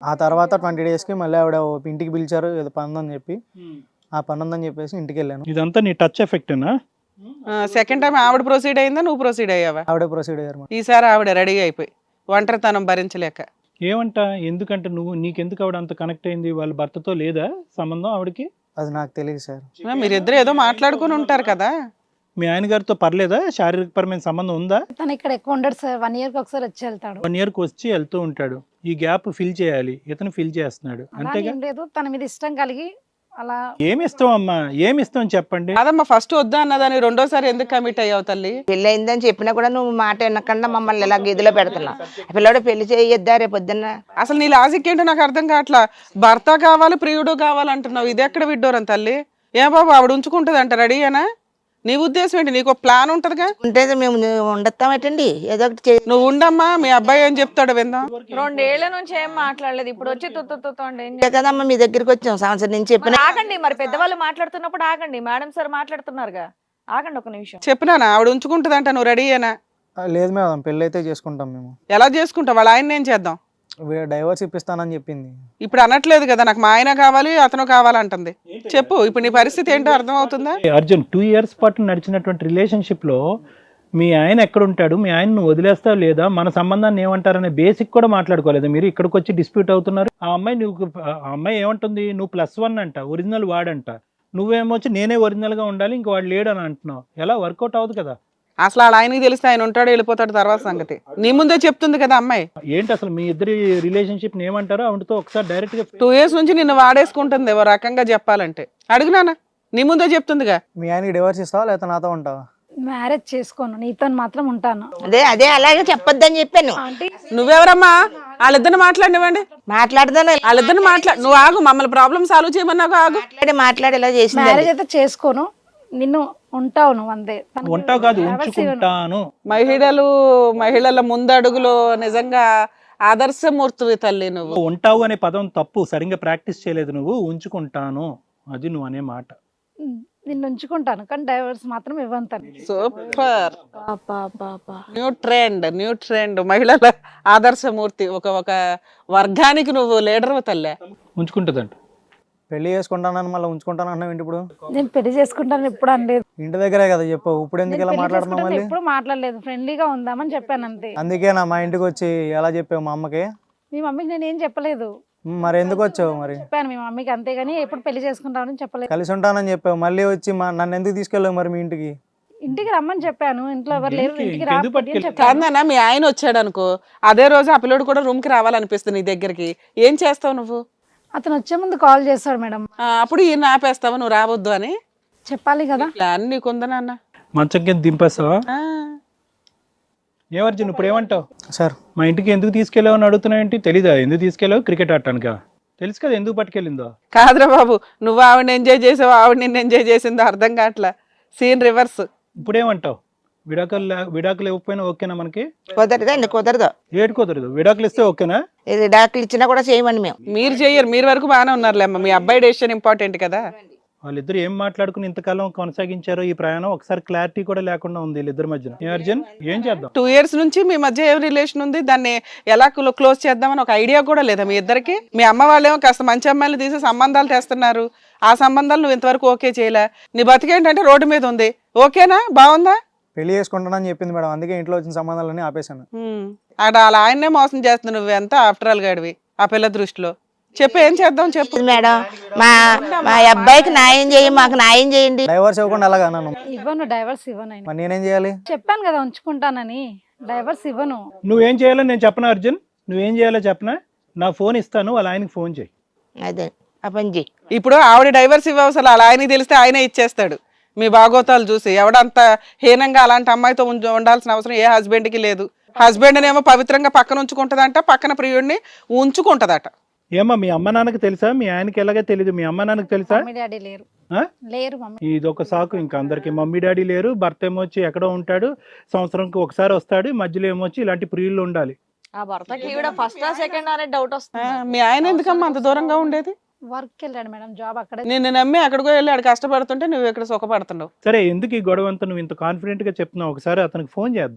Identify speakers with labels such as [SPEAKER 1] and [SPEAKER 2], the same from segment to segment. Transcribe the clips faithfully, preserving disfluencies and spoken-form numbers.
[SPEAKER 1] ఆ తర్వాత ట్వంటీ డేస్కి మళ్ళీ ఆవిడ ఓ ఇంటికి పిలిచారు, ఏదో పని ఉందని చెప్పి ఆ పని ఉందని చెప్పేసి ఇంటికి వెళ్ళాను.
[SPEAKER 2] ఇదంతా నీ టచ్ ఎఫెక్టేనా?
[SPEAKER 3] సెకండ్ టైం ఆవిడ ప్రొసీడ్ అయిందా, నువ్వు ప్రొసీడ్ అయ్యావా?
[SPEAKER 1] ఆవిడే ప్రొసీడ్ అయ్యారు మేడం.
[SPEAKER 3] ఈసారి ఆవిడ రెడీ అయిపోయి ఒంటరితనం భరించలేక.
[SPEAKER 2] ఏమంట, ఎందుకంటే నువ్వు నీకెందుకు ఆవిడ అంత కనెక్ట్ అయింది? వాళ్ళ భర్తతో లేదా సంబంధం ఆవిడకి?
[SPEAKER 1] అది నాకు తెలియదు సార్.
[SPEAKER 3] మీరిద్దరు ఏదో మాట్లాడుకుని ఉంటారు కదా.
[SPEAKER 2] మీ ఆయన గారితో పర్లేదా? శారీరకపరమైన సంబంధం ఉందా?
[SPEAKER 4] తను ఇక్కడ ఎక్కువ ఉండడు సార్, వన్ ఇయర్ కి ఒకసారి వచ్చి వెళ్తాడు.
[SPEAKER 2] వన్ ఇయర్ కి వచ్చి వెళ్తూ ఉంటాడు. ఈ గ్యాప్ ఫిల్ చేయాలి, ఇతను ఫిల్ చేస్తున్నాడు
[SPEAKER 4] అలా
[SPEAKER 2] అంతేగా.
[SPEAKER 4] ఏం లేదు, తన మీద ఇష్టం కలిగి అలా.
[SPEAKER 2] ఏమి ఇస్తాం అమ్మా, ఏమి ఇస్తాం చెప్పండి.
[SPEAKER 3] అదమ్మా ఫస్ట్ వద్దా అన్నదాన్ని రెండోసారి ఎందుకు కమిట్ అయ్యావు తల్లి?
[SPEAKER 5] పెళ్లి అయిందని చెప్పినా కూడా నువ్వు మాట వినకుండా మమ్మల్ని ఇలా గదిలో పెడుతున్నావు. పిల్లడు పెళ్లి చేయొద్దా రేపు పొద్దున్న?
[SPEAKER 3] అసలు నీ లాజిక్ ఏంటో నాకు అర్థం కావట్లా. భర్త కావాలి ప్రియుడు కావాలంటున్నావు, ఇది ఎక్కడ విడ్డోరం తల్లి? ఏ బాబు ఆవిడ ఉంచుకుంటుంది అంట రెడీయేనా? నీ ఉద్దేశం ఏంటి? నీకు ప్లాన్ ఉంటదిగా.
[SPEAKER 5] ఉంటే మేము ఉండొస్తామేటండి, ఏదో ఒకటి చే-
[SPEAKER 3] నువ్వు ఉండమ్మా, మీ అబ్బాయి ఏం చెప్తాడు విందాం.
[SPEAKER 6] రెండేళ్ల నుంచి ఏం మాట్లాడలేదు, ఇప్పుడు వచ్చి తుత్తుతోండి.
[SPEAKER 5] అంతే కదమ్మా, మీ దగ్గరికి వచ్చాం సంవత్సరం నుంచి చెప్పిన.
[SPEAKER 6] ఆగండి, మరి పెద్దవాళ్ళు మాట్లాడుతున్నప్పుడు ఆగండి. మేడం సార్ మాట్లాడుతున్నారుగా, ఆగండి ఒక నిమిషం.
[SPEAKER 3] చెప్పినానా ఆవిడ ఉంచుకుంటుంది అంట, నువ్వు రెడీయేనా?
[SPEAKER 1] ఆ, లేదు మేడం, పెళ్ళి అయితే చేసుకుంటాం మేము.
[SPEAKER 3] ఎలా చేసుకుంటావు? వాళ్ళ ఆయన ఏం చేద్దాం?
[SPEAKER 1] డైవర్స్ ఇప్పిస్తానని చెప్పింది.
[SPEAKER 3] ఇప్పుడు అనట్లేదు కదా నాకు మా ఆయన కావాలి అతను కావాలంటుంది. చెప్పు ఇప్పుడు నీ పరిస్థితి ఏంటో అర్థం అవుతుందా?
[SPEAKER 2] అర్జున్, టూ ఇయర్స్ పాటు నడిచినటువంటి రిలేషన్షిప్ లో మీ ఆయన ఎక్కడ ఉంటాడు, మీ ఆయన నువ్వు వదిలేస్తావు లేదా, మన సంబంధాన్ని ఏమంటారనే బేసిక్ కూడా మాట్లాడుకోలేదు. మీరు ఇక్కడికి వచ్చి డిస్ప్యూట్ అవుతున్నారు. ఆ అమ్మాయి నువ్వు ఆ అమ్మాయి ఏమంటుంది, నువ్వు ప్లస్ వన్ అంట, ఒరిజినల్ వాడంట, నువ్వేమొచ్చి నేనే ఒరిజినల్ గా ఉండాలి, ఇంక వాడు లేడు అని అంటున్నావు. ఎలా వర్కౌట్ అవ్వదు కదా.
[SPEAKER 3] అసలు వాళ్ళ ఆయనకి తెలిస్తే ఆయన ఉంటాడు వెళ్ళిపోతాడు తర్వాత సంగతి. నీ ముందే చెప్తుంది కదా అమ్మాయి.
[SPEAKER 2] ఏంటి అసలు మీ ఇద్దరి రిలేషన్షిప్ ఏమంటారో ఆవిడతో ఒకసారి డైరెక్ట్ గా.
[SPEAKER 3] టూ ఇయర్స్ నుంచి నిన్ను వాడేసుకుంటుంది ఓ రకంగా చెప్పాలంటే. అడుగునానా, నీ ముందే చెప్తుందిగా.
[SPEAKER 1] మీ ఆయనకి డివోర్స్ ఇస్తావా లేకపోతే నాతో ఉంటావా?
[SPEAKER 4] మ్యారేజ్ చేసుకోను, నీతో మాత్రం ఉంటాను.
[SPEAKER 5] అదే అదే అలాగే చెప్పొద్దని చెప్పాను.
[SPEAKER 4] ఆంటీ
[SPEAKER 3] నువ్వెవరమ్మా? వాళ్ళిద్దరిని మాట్లాడినివ్వండి.
[SPEAKER 5] మాట్లాడదాను
[SPEAKER 3] వాళ్ళిద్దరిని మాట్లాడు. నువ్వు ఆగు, మమ్మల్ని ప్రాబ్లమ్ సాల్వ్ చేయమన్నావు ఆగు.
[SPEAKER 5] మాట్లాడి మాట్లాడి ఇలా చేసింది.
[SPEAKER 4] మ్యారేజ్ అయితే చేసుకోను, నిన్ను ఉంటావు నువ్వు అంతే. తనకి
[SPEAKER 2] ఉంటావు కాదు,
[SPEAKER 4] divorce ఇవ్వను.
[SPEAKER 2] ఉంచుకుంటాను.
[SPEAKER 3] మహిళలు మహిళల ముందడుగులో నిజంగా ఆదర్శమూర్తివి తల్లి నువ్వు.
[SPEAKER 2] ఉంటావు అనే పదం తప్పు, సరిగ్గా ప్రాక్టీస్ చేయలేదు నువ్వు. ఉంచుకుంటాను అది నువ్వు అనే మాట.
[SPEAKER 4] ఉమ్, నిన్ను ఉంచుకుంటాను కానీ డైవర్స్ మాత్రం ఇవ్వను తను.
[SPEAKER 3] Super, new trend, new trend. మహిళల ఆదర్శమూర్తి, ఒక ఒక వర్గానికి నువ్వు లీడర్ తల్లే.
[SPEAKER 2] ఉంచుకుంటుందంట.
[SPEAKER 1] పెళ్లి చేసుకుంటానని మళ్ళీ ఉంచుకుంటాను అన్నావు ఏంటి ఇప్పుడు?
[SPEAKER 4] నేను పెళ్లి చేసుకుంటాను ఎప్పుడు అనలేదు.
[SPEAKER 1] ఇంటి దగ్గరే కదా చెప్పు, ఇప్పుడు ఎందుకు
[SPEAKER 4] నేను
[SPEAKER 1] ఇలా
[SPEAKER 4] పెళ్లి
[SPEAKER 1] మాట్లాడుతున్నావు
[SPEAKER 4] చేసుకుంటాను
[SPEAKER 1] మళ్ళీ?
[SPEAKER 4] ఎప్పుడు మాట్లాడలేదు, ఫ్రెండ్లీగా ఉందామని చెప్పాను అంతే.
[SPEAKER 1] అందుకేనా మా ఇంటికి వచ్చి ఎలా చెప్పావు మా అమ్మకి?
[SPEAKER 4] మీ మమ్మీకి నేను ఏం చెప్పలేదు,
[SPEAKER 1] ఉమ్, మరి ఎందుకు వచ్చావు మరి?
[SPEAKER 4] చెప్పాను మీ మమ్మీకి అంతేగాని ఎప్పుడు పెళ్లి చేసుకుంటామని చెప్పలేదు.
[SPEAKER 1] కలిసి ఉంటానని చెప్పావు, మళ్ళీ వచ్చి మా నన్ను ఎందుకు తీసుకెళ్ళావు మరి మీ ఇంటికి?
[SPEAKER 4] ఇంటికి రమ్మని చెప్పాను, ఇంట్లో ఎవరు లేరు,
[SPEAKER 2] ఇంటికి-
[SPEAKER 4] ఇంటికి
[SPEAKER 2] ఇంకెందుకు
[SPEAKER 4] రాకపోతే అని
[SPEAKER 2] పట్టుకెళ్ళి-
[SPEAKER 4] చెప్పాను.
[SPEAKER 3] కాదన్నా మీ ఆయన వచ్చాడు అనుకో, అదే రోజు ఆ పిల్లడు కూడా రూమ్ కి రావాలనిపిస్తుంది నీ దగ్గరికి, ఏం చేస్తావు నువ్వు?
[SPEAKER 4] అతను వచ్చే ముందు కాల్ చేస్తాడు మేడం,
[SPEAKER 3] ఆ, అప్పుడు ఈయన ఆపేస్తావా నువ్వు రావద్దు అని?
[SPEAKER 4] చెప్పాలి కదా.
[SPEAKER 3] ప్లాన్ నీకుందా నాన్న?
[SPEAKER 2] మంచం కింద దింపేస్తావా?
[SPEAKER 3] ఆ,
[SPEAKER 2] ఏమర్జున్ ఇప్పుడు ఏమంటావు?
[SPEAKER 1] సార్
[SPEAKER 2] మా ఇంటికి ఎందుకు తీసుకెళ్ళావు అని అడుగుతున్నావు ఏంటి? తెలీదా ఎందుకు తీసుకెళ్ళావు? క్రికెట్ ఆడటానికా? తెలుసు కదా ఎందుకు పట్టుకెళ్ళిందో.
[SPEAKER 3] కాదురా బాబు, నువ్వు ఆవిడని ఎంజాయ్ చేసావు, ఆవిడ నిన్ను ఎంజాయ్ చేసిందో అర్థం కావట్లా. Scene reverse.
[SPEAKER 2] ఇప్పుడు ఏమంటావు? విడాకులు లే- విడాకులు ఇవ్వకపోయినా ఓకేనా మనకి?
[SPEAKER 5] కుదరదండి, కుదరదు.
[SPEAKER 2] ఏడు కుదరదు, విడాకులు ఇస్తే ఓకేనా?
[SPEAKER 5] ఇది డాక్టర్లు ఇచ్చినా కూడా చేయమండి మేము.
[SPEAKER 3] మీరు చెయ్యరు, మీరు వరకు బాగానే ఉన్నారులే అమ్మ, మీ అబ్బాయి డెసిషన్ ఇంపార్టెంట్ కదా.
[SPEAKER 2] వాళ్ళిద్దరు ఏం మాట్లాడుకుని ఇంతకాలం కొనసాగించారో ఈ ప్రయాణం ఒకసారి క్లారిటీ కూడా లేకుండా ఉంది వీళ్ళిద్దరి మధ్యన. ఏ అర్జున్ ఏం చేద్దాం?
[SPEAKER 3] టూ ఇయర్స్ నుంచి మీ మధ్య ఏం రిలేషన్ ఉంది, దాన్ని ఎలా క్లోజ్ చేద్దామని ఒక ఐడియా కూడా లేదా మీ ఇద్దరికి? మీ అమ్మ వాళ్ళేమో కాస్త మంచి అమ్మాయిలు తీసి సంబంధాలు తెస్తున్నారు, ఆ సంబంధాలు నువ్వు ఇంతవరకు ఓకే చేయలే. నీ బతికేంటంటే రోడ్డు మీద ఉంది. ఓకేనా, బాగుందా?
[SPEAKER 1] పెళ్లి చేసుకుంటానని చెప్పింది మేడం, అందుకే ఇంట్లో వచ్చిన సంబంధాలన్నీ ఆపేశాను.
[SPEAKER 3] ఉమ్, అక్కడ అలా ఆయన్నే మోసం చేస్తున్నావు, నువ్వు ఎంత ఆఫ్టర్ ఆల్ గాడివి ఆ పిల్ల దృష్టిలో. చెప్పు ఏం చేద్దాం చెప్పు.
[SPEAKER 5] మేడం మా మా అబ్బాయికి న్యాయం చేయండి, మాకు న్యాయం చేయండి.
[SPEAKER 1] డైవర్స్ ఇవ్వకుండా ఎలాగా నన్ను?
[SPEAKER 4] ఇవ్వను, డైవర్స్ ఇవ్వను. ఆయన
[SPEAKER 1] మరి నేనేం చేయాలి?
[SPEAKER 4] చెప్పాను కదా ఉంచుకుంటానని, డైవర్స్ ఇవ్వను.
[SPEAKER 2] నువ్వేం చేయాలో నేను చెప్పనా అర్జున్? నువ్వేం చేయాలో చెప్పనా? నా ఫోన్ ఇస్తాను, వాళ్ళ ఆయనకి ఫోన్ చేయి.
[SPEAKER 5] అదే ఆ పని చేయి.
[SPEAKER 3] ఇప్పుడు ఆవిడ డైవర్స్ ఇవ్వవసలు అలా ఆయనకి తెలిస్తే ఆయనే ఇచ్చేస్తాడు. మీ బాగోతాలు చూసి ఎవడంత హీనంగా అలాంటి అమ్మాయితో ఉండ- ఉండాల్సిన అవసరం ఏ హస్బెండ్కి లేదు. హస్బెండ్ ఏమో పవిత్రంగా పక్కన ఉంచుకుంటదంట, పక్కన ప్రియుడిని ఉంచుకుంటదట.
[SPEAKER 2] ఏమా మీ అమ్మ నాన్నకి తెలుసా? మీ ఆయనకి ఎలాగే తెలీదు, మీ అమ్మ నాన్నకి తెలుసా?
[SPEAKER 4] మమ్మీ డాడీ లేరు,
[SPEAKER 2] ఆ?
[SPEAKER 4] లేరు మమ్మీ.
[SPEAKER 2] ఇది ఒక సాకు ఇంకా అందరికి. మమ్మీ డాడీ లేరు, భర్త ఏమొచ్చి ఎక్కడో ఉంటాడు, సంవత్సరంకి ఒకసారి వస్తాడు, మధ్యలో ఏమొచ్చి ఇలాంటి ప్రియుళ్ళు ఉండాలి.
[SPEAKER 6] ఆ భర్తకి ఈవిడ ఫస్ట్ సెకండ్ అనే డౌట్
[SPEAKER 3] ఆ,
[SPEAKER 6] వస్తుంది.
[SPEAKER 3] మీ ఆయన ఎందుకమ్మా అంత దూరంగా ఉండేది?
[SPEAKER 4] వర్క్ వెళ్ళాడు మేడం, జాబ్ అక్కడే.
[SPEAKER 3] నిన్ను నమ్మి అక్కడికో వెళ్ళి ఆడు కష్టపడుతుంటే నువ్వు ఇక్కడ సుఖపడుతున్నావు.
[SPEAKER 2] సరే ఎందుకు ఈ గొడవ అంతా నువ్వు ఇంత కాన్ఫిడెంట్ గా చెప్తున్నావు? ఒకసారి అతనికి ఫోన్ చేద్దాం.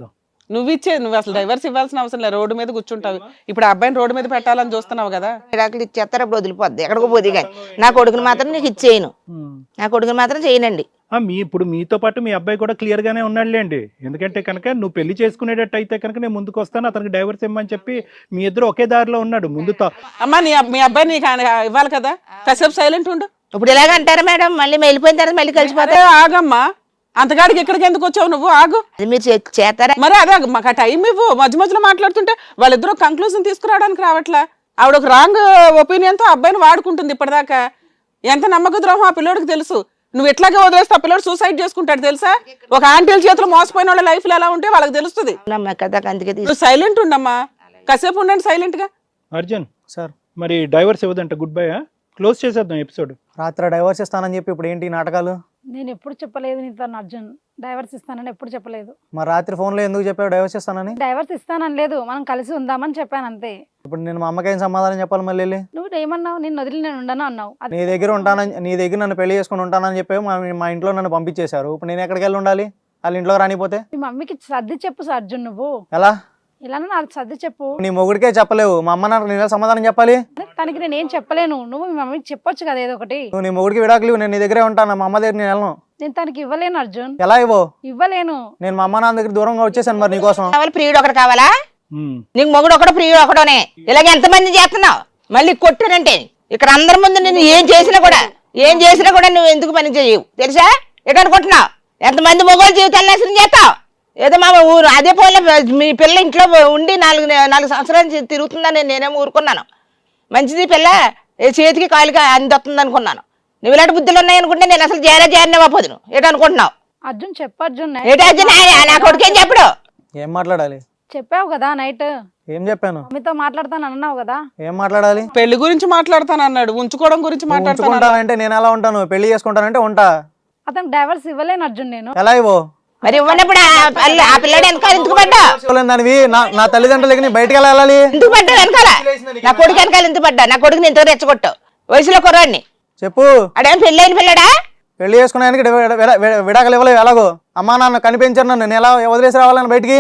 [SPEAKER 3] నువ్వు ఇచ్చే నువ్వు అసలు డైవర్స్ ఇవ్వాల్సిన అవసరం లేదు, రోడ్డు మీద కూర్చుంటావు. ఇప్పుడు ఆ అబ్బాయిని రోడ్డు మీద పెట్టాలని చూస్తున్నావు కదా.
[SPEAKER 5] విడాకులు ఇచ్చేస్తారు, అప్పుడు వదిలిపోద్ది, ఎక్కడికో పోతే కానీ. నా కొడుకుని మాత్రం నీకు ఇచ్చేయను, నా కొడుకుని మాత్రం చేయనండి.
[SPEAKER 2] ఆ, మీ ఇప్పుడు మీతో పాటు మీ అబ్బాయి కూడా క్లియర్ గానే ఉన్నాడులేండి. ఎందుకంటే కనుక నువ్వు పెళ్లి చేసుకునేటట్టు అయితే కనుక నేను ముందుకు వస్తాను, అతనికి డైవర్స్ ఇవ్వమని చెప్పి మీ ఇద్దరు ఒకే దారిలో ఉన్నాడు ముందుతో.
[SPEAKER 3] అమ్మా నీ మీ అబ్బాయి నీకు ఆయన ఇవ్వాలి కదా, కాసేపు సైలెంట్ ఉండు.
[SPEAKER 5] ఇప్పుడు ఇలాగ అంటారా మేడం, మళ్ళీ వెళ్ళిపోయిన తర్వాత మళ్ళీ కలిసిపోతారు.
[SPEAKER 3] అదే ఆగమ్మా, అంతగాడికి ఇక్కడికి ఎందుకు వచ్చావు నువ్వు, ఆగు.
[SPEAKER 5] అది మీరు చే- చేస్తారా?
[SPEAKER 3] మరి అదే మాకు ఆ టైం ఇవ్వు. మధ్య మధ్యలో మాట్లాడుతుంటే వాళ్ళిద్దరూ కంక్లూజన్ తీసుకురావడానికి రావట్లా. ఆవిడ ఒక రాంగ్ ఒపీనియన్ తో అబ్బాయిని వాడుకుంటుంది ఇప్పటిదాకా. ఎంత నమ్మక ద్రోహం ఆ పిల్లోడికి తెలుసు. నువ్వు ఎట్లాగే వదిలేస్తే ఆ పిల్లోడు సూసైడ్ చేసుకుంటాడు తెలుసా. ఒక ఆంటీల చేతిలో మోసపోయిన వాళ్ళ లైఫ్ లో ఎలా ఉంటే వాళ్ళకి తెలుస్తుంది.
[SPEAKER 5] నమ్మ కదా, అందుకే తీసు-
[SPEAKER 3] నువ్వు సైలెంట్ ఉండమ్మా, కాసేపు ఉండండి సైలెంట్ గా.
[SPEAKER 2] అర్జున్
[SPEAKER 1] సార్
[SPEAKER 2] మరి డైవర్స్ ఇవ్వదంట, గుడ్ బై, క్లోజ్ చేసేద్దాం ఎపిసోడ్.
[SPEAKER 1] రాత్రి డైవర్స్ ఇస్తానని చెప్పి ఇప్పుడు ఏంటి ఈ నాటకాలు?
[SPEAKER 4] నేను ఎప్పుడు చెప్పలేదు నీతో అర్జున్ డైవర్స్ ఇస్తానని, ఎప్పుడు చెప్పలేదు.
[SPEAKER 1] మరి రాత్రి ఫోన్లో ఎందుకు చెప్పావు డైవర్స్ ఇస్తానని?
[SPEAKER 4] డైవర్స్ ఇస్తానని లేదు, మనం కలిసి ఉందామని చెప్పాను అంతే.
[SPEAKER 1] ఇప్పుడు నేను మా అమ్మకి ఏం సమాధానం చెప్పాలి మళ్ళీ వెళ్ళి?
[SPEAKER 4] నువ్వు ఏమన్నావు, నిన్ను వదిలి నేను ఉండను అన్నావు. అది
[SPEAKER 1] నీ దగ్గర ఉంటానని, నీ దగ్గర నన్ను పెళ్లి చేసుకుని ఉంటానని చెప్పి మా మా ఇంట్లో నన్ను పంపించేశారు. ఇప్పుడు నేను ఎక్కడికి వెళ్ళి ఉండాలి వాళ్ళ ఇంట్లోకి రానిపోతే?
[SPEAKER 4] మీ మమ్మీకి సర్ది చెప్పు సార్ అర్జున్, నువ్వు
[SPEAKER 1] ఎలా?
[SPEAKER 4] ఇలానే నాకు సర్ది చెప్పు.
[SPEAKER 1] నీ మొగుడికే చెప్పలేవు, మా అమ్మ నాకు నేను సమాధానం చెప్పాలి?
[SPEAKER 4] తనకి నేను ఏం చెప్పలేను, నువ్వు మీ మమ్మీకి చెప్పొచ్చు కదా ఏదో ఒకటి.
[SPEAKER 1] నువ్వు నీ మొగుడికి విడాకులు ఇవ్వు, నేను నీ దగ్గరే ఉంటాను, మా అమ్మ దగ్గర నేను వెళ్ళను.
[SPEAKER 4] నేను తనకి ఇవ్వలేను అర్జున్,
[SPEAKER 1] ఎలా ఇవ్వవు?
[SPEAKER 4] ఇవ్వలేను.
[SPEAKER 1] నేను మా అమ్మ నాన్న దగ్గర దూరంగా వచ్చేసాను మరి నీకోసం.
[SPEAKER 5] కావాలి ప్రియుడు ఒకటి కావాలా? నీకు మొగుడు ఒకడు ప్రియుడు ఒకడోనే, ఇలాగ ఎంతమంది చేస్తున్నావు? మళ్ళీ కొట్టానంటే ఇక్కడ అందరి ముందు నేను ఏం చేసినా కూడా ఏం చేసినా కూడా నువ్వు ఎందుకు పని చేయవు తెలుసా? ఎటు అనుకుంటున్నావు? ఎంతమంది మొగోళ్ళ జీవితాలు నాశనం చేస్తావు? ఏదో మా ఊరు అదే పోలే, మీ పిల్ల ఇంట్లో ఉండి నాలుగు నాలుగు సంవత్సరాలు తిరుగుతుందని నేనేమో ఊరుకున్నాను. మంచిది పిల్ల, ఏ చేతికి కాలుకి అందొస్తుంది అనుకున్నాను. నువ్వు ఇలాంటి బుద్ధులు ఉన్నాయనుకుంటే నేను అసలు చేరే చేరనే పోదు. ఎటు అనుకుంటున్నావు?
[SPEAKER 4] అర్జున్ చెప్పు అర్జున్,
[SPEAKER 5] ఏటో అర్జున్, నా కొడుకేం చెప్పడు.
[SPEAKER 1] ఏం మాట్లాడాలి?
[SPEAKER 4] చెప్పావు కదా నైట్
[SPEAKER 1] ఏం చెప్పాను?
[SPEAKER 4] మమ్మీతో మాట్లాడతాను అన్నావు కదా.
[SPEAKER 1] ఏం మాట్లాడాలి?
[SPEAKER 3] పెళ్లి గురించి మాట్లాడతాను అన్నాడు, ఉంచుకోవడం గురించి మాట్లాడతాను.
[SPEAKER 1] ఉంచుకుంటానంటే నేను ఎలా ఉంటాను? పెళ్లి చేసుకుంటానంటే ఉంటా.
[SPEAKER 4] అతనికి డైవర్స్ ఇవ్వలేను అర్జున్ నేను.
[SPEAKER 1] ఎలా ఇవ్వో?
[SPEAKER 5] మరి ఇవ్వనప్పుడు ఆ పిల్ల- ఆ పిల్లడు వెనకాల ఎందుకు పడ్డా?
[SPEAKER 1] దానివి నా నా తల్లిదండ్రులకి నీ బయటకు ఎలా వెళ్ళాలి?
[SPEAKER 5] ఎందుకు పడ్డా వెనకాల? నా కొడుకు వెనకాల ఎందుకు పడ్డా? నా కొడుకుని ఇంత రెచ్చగొట్టావు వయసులో కుర్రాడిని.
[SPEAKER 1] చెప్పు.
[SPEAKER 5] అడేం పెళ్ళైన పిల్లడా?
[SPEAKER 1] పెళ్లి చేసుకున్నానికి విడాకులు ఇవ్వలేవు ఎలాగో? అమ్మా నాన్న కనిపించారు నన్ను, నేను ఎలా వదిలేసి రావాలని బయటికి?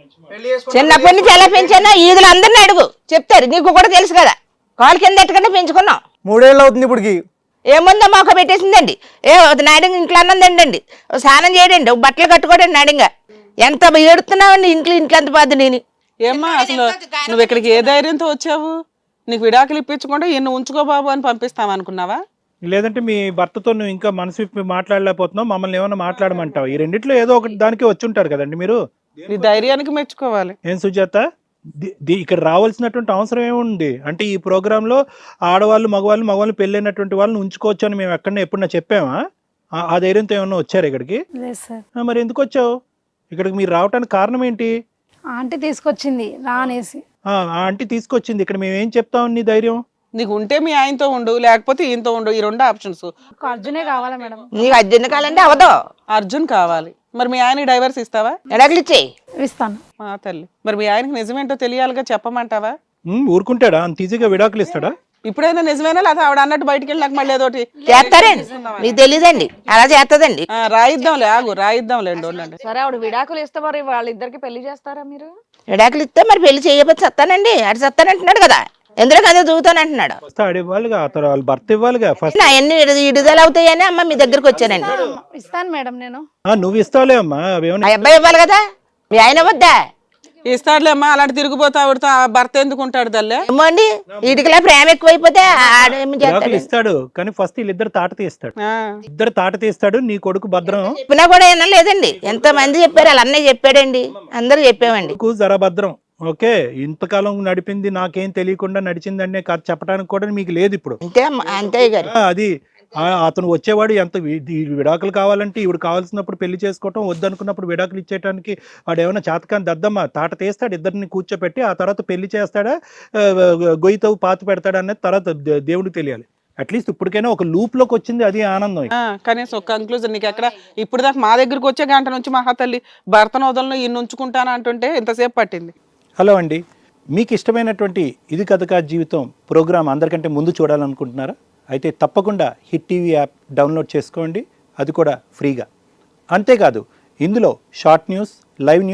[SPEAKER 5] చిన్నప్పటి నుంచి ఎలా పెంచానో ఈదులు అందరిని అడుగు, చెప్తారు. నీకు కూడా తెలుసు కదా, కాలు కింద ఎట్టుకుంటే పెంచుకున్నాం.
[SPEAKER 1] మూడేళ్ళు అవుతుంది ఇప్పటికి.
[SPEAKER 5] ఏముందో మాకు పెట్టేసిందండి. ఏ నాడింగ్ ఇంట్లో అన్నదండి, స్నానం చేయడండి, బట్టలు కట్టుకోడండి నాడింగా. ఎంత ఏడుతున్నావండి ఇంట్లో, ఇంట్లో ఎంత బాధ. నేను
[SPEAKER 3] ఏమ్మా అసలు నువ్వు ఇక్కడికి ఏ ధైర్యంతో వచ్చావు? నీకు విడాకులు ఇప్పించకుండా ఈయన ఉంచుకో బాబు అని పంపిస్తామనుకున్నావా?
[SPEAKER 2] లేదంటే మీ భర్తతో నువ్వు ఇంకా మనసు విప్పి మాట్లాడలేకపోతున్నావు, మమ్మల్ని ఏమైనా మాట్లాడమంటావు? ఈ రెండిట్లో ఏదో ఒకటి దానికి వచ్చి ఉంటారు కదండి మీరు.
[SPEAKER 3] నీ ధైర్యానికి మెచ్చుకోవాలి.
[SPEAKER 2] ఏం సుజాత, ది- ది- ఇక్కడ రావాల్సినటువంటి అవసరం ఏముంది? అంటే ఈ ప్రోగ్రామ్ లో ఆడవాళ్ళు మగవాళ్ళు మగవాళ్ళు పెళ్ళైనటువంటి వాళ్ళని ఉంచుకోవచ్చు అని మేము ఎక్కడన్నా ఎప్పుడన్నా చెప్పామా? ఆ- ఆ ధైర్యంతో ఏమన్నా వచ్చారు ఇక్కడికి?
[SPEAKER 4] లేదు సార్.
[SPEAKER 2] ఆ, మరి ఎందుకు వచ్చావు ఇక్కడికి? మీరు రావడానికి కారణం ఏంటి?
[SPEAKER 4] ఆంటీ తీసుకొచ్చింది రా అనేసి.
[SPEAKER 2] ఆ ఆ ఆంటీ తీసుకొచ్చింది. ఇక్కడ మేము ఏం చెప్తాం? నీ ధైర్యం
[SPEAKER 3] నీకు ఉంటే మీ ఆయనతో ఉండు, లేకపోతే ఈయనతో ఉండు. ఈ రెండు ఆప్షన్స్.
[SPEAKER 4] ఒక అర్జునే కావాలా మేడం?
[SPEAKER 5] నీకు అర్జున్ కాలంటే అవదో.
[SPEAKER 3] అర్జున్ కావాలి. మరి మీ ఆయనకి డైవర్స్ ఇస్తావా?
[SPEAKER 5] ఎడాకులు ఇచ్చేయి.
[SPEAKER 4] ఇస్తాను.
[SPEAKER 3] మా తల్లి, మరి మీ ఆయనకి నిజమేంటో తెలియాలిగా, చెప్పమంటావా?
[SPEAKER 2] ఉమ్, ఊరుకుంటాడా? అంత ఈజీగా విడాకులు ఇస్తాడా?
[SPEAKER 3] ఇప్పుడైనా నిజమేనా, లేదా ఆవిడ అన్నట్టు బయటికి వెళ్ళి నాకు మళ్ళీ ఏదోటి
[SPEAKER 5] చేస్తారండి, మీకు తెలీదండి, అలా చేస్తుందండి.
[SPEAKER 3] ఆ, రాయిద్దాంలే, ఆగు రాయిద్దాంలేండి, ఉండండి.
[SPEAKER 6] సరే ఆవిడ విడాకులు ఇస్తే మరి వాళ్ళిద్దరికి పెళ్లి చేస్తారా మీరు?
[SPEAKER 5] ఎడాకులు ఇస్తే మరి పెళ్లి చేయకపోతే సత్తానండి. అటు సత్తానంటున్నాడు కదా, ఎందులో కదా చూతానంటున్నాడు.
[SPEAKER 2] వస్తే ఆడ ఇవ్వాలిగా, అతను వాళ్ళ భర్త ఇవ్వాలిగా ఫస్ట్.
[SPEAKER 5] అవన్నీ విడుదల అవుతాయని అమ్మ మీ దగ్గరకు వచ్చానండి.
[SPEAKER 4] ఇస్తాను మేడం నేను.
[SPEAKER 2] ఆ, నువ్వు ఇస్తావులే అమ్మా, అవేమన్నా
[SPEAKER 5] ఆ అబ్బాయి ఇవ్వాలి కదా, మీ ఆయన వద్దా?
[SPEAKER 3] ఇస్తాడులే అమ్మా, అలాంటి తిరిగిపోతా ఆవిడతో ఆ భర్త ఎందుకు ఉంటాడు తల్లే?
[SPEAKER 5] ఏమో అండి, వీటికిలా ప్రేమ ఎక్కువైపోతే ఆడేమి
[SPEAKER 2] విడాకులు
[SPEAKER 5] చేస్తాడు.
[SPEAKER 2] ఇస్తాడు, కానీ ఫస్ట్ వీళ్ళిద్దరు తాట తీస్తాడు.
[SPEAKER 3] ఆ,
[SPEAKER 2] ఇద్దరు తాట తీస్తాడు. నీ కొడుకు భద్రం,
[SPEAKER 5] చెప్పినా కూడా ఏమన్నా లేదండి. ఎంత మంది చెప్పారు, వాళ్ళ అన్నయ్య చెప్పాడండి, అందరూ చెప్పామండి.
[SPEAKER 2] కొడుకు జర భద్రం. ఓకే, ఇంతకాలం నడిపింది నాకేం తెలియకుండా నడిచిందనే కథ చెప్పడానికి కూడా మీకు లేదు ఇప్పుడు.
[SPEAKER 5] అంతే అమ్మ, అంతే గారు.
[SPEAKER 2] ఆ, అది ఆ, అతను వచ్చేవాడు ఎంత వి- ఈ విడాకులు కావాలంటే ఈవిడ కావాల్సినప్పుడు పెళ్లి చేసుకోవటం, వద్దనుకున్నప్పుడు విడాకులు ఇచ్చేయడానికి వాడు ఏమైనా చేతకాని దద్దమ్మ తాట తీస్తాడు. ఇద్దరిని కూర్చోపెట్టి ఆ తర్వాత పెళ్లి చేస్తాడా, ఆ, గొయ్యితో పాతి పెడతాడా అనేది తర్వాత దే- దేవుడికి తెలియాలి. అట్లీస్ట్ ఇప్పటికైనా ఒక లూప్ లోకి వచ్చింది, అది ఆనందం.
[SPEAKER 3] ఆ, కనీసం ఒక కంక్లూజన్ నీకు ఎక్కడ ఇప్పుడు దాకా మా దగ్గరికి వచ్చే గంట నుంచి మహాతల్లి భర్తను వదలను ఈయన ఉంచుకుంటాను అంటుంటే ఎంతసేపు పట్టింది?
[SPEAKER 2] హలో అండి, మీకు ఇష్టమైనటువంటి ఇది కథ కాదు జీవితం ప్రోగ్రామ్ అందరికంటే ముందు చూడాలనుకుంటున్నారా? అయితే తప్పకుండా హిట్ టీవీ యాప్ డౌన్లోడ్ చేసుకోండి, అది కూడా ఫ్రీగా. అంతేకాదు ఇందులో short news, live news,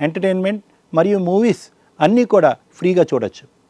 [SPEAKER 2] entertainment మరియు మూవీస్ అన్నీ కూడా ఫ్రీగా చూడొచ్చు.